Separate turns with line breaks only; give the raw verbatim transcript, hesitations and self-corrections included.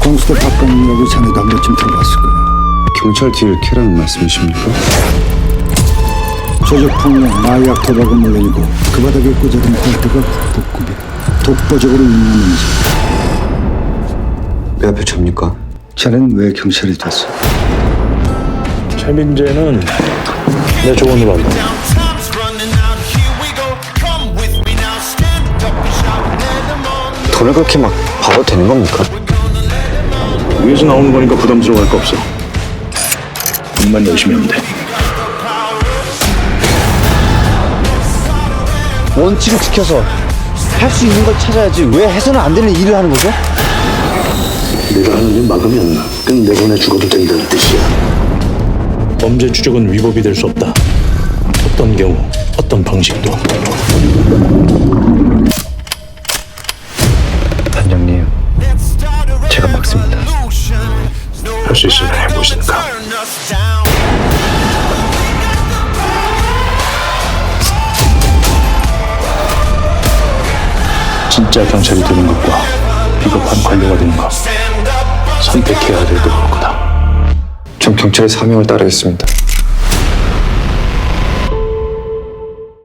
공수대 박건이라고 자네도 한 번쯤 들어봤을 거야.
경찰 뒤를 캐라는 말씀이십니까?
조직폭력, 마약, 도박은 물론이고 그 바닥에 꽂아둔 꼴대가 국보급이야. 독보적으로 운영하는지.
왜 앞에 접니까?
자네는 왜 경찰이 됐어?
최민재는 내 조언으로 한다.
돈을 그렇게 막 봐도 되는 겁니까?
위에서 나오는 거니까 부담스러워할 거 없어. 일만 열심히 하면 돼.
원칙을 지켜서 할 수 있는 걸 찾아야지 왜 해서는 안 되는 일을 하는 거죠?
내가 하는 일 막으면 끝내보내 죽어도 된다는 뜻이야. 범죄 추적은 위법이 될 수 없다. 어떤 경우, 어떤 방식도.
단장님, 제가 막습니다.
할 수 있으면 해보시니까. 진짜 경찰이 되는 것과 비겁한 관료가 되는 것 선택해야 될 때일 거다.
전 경찰의 사명을 따르겠습니다.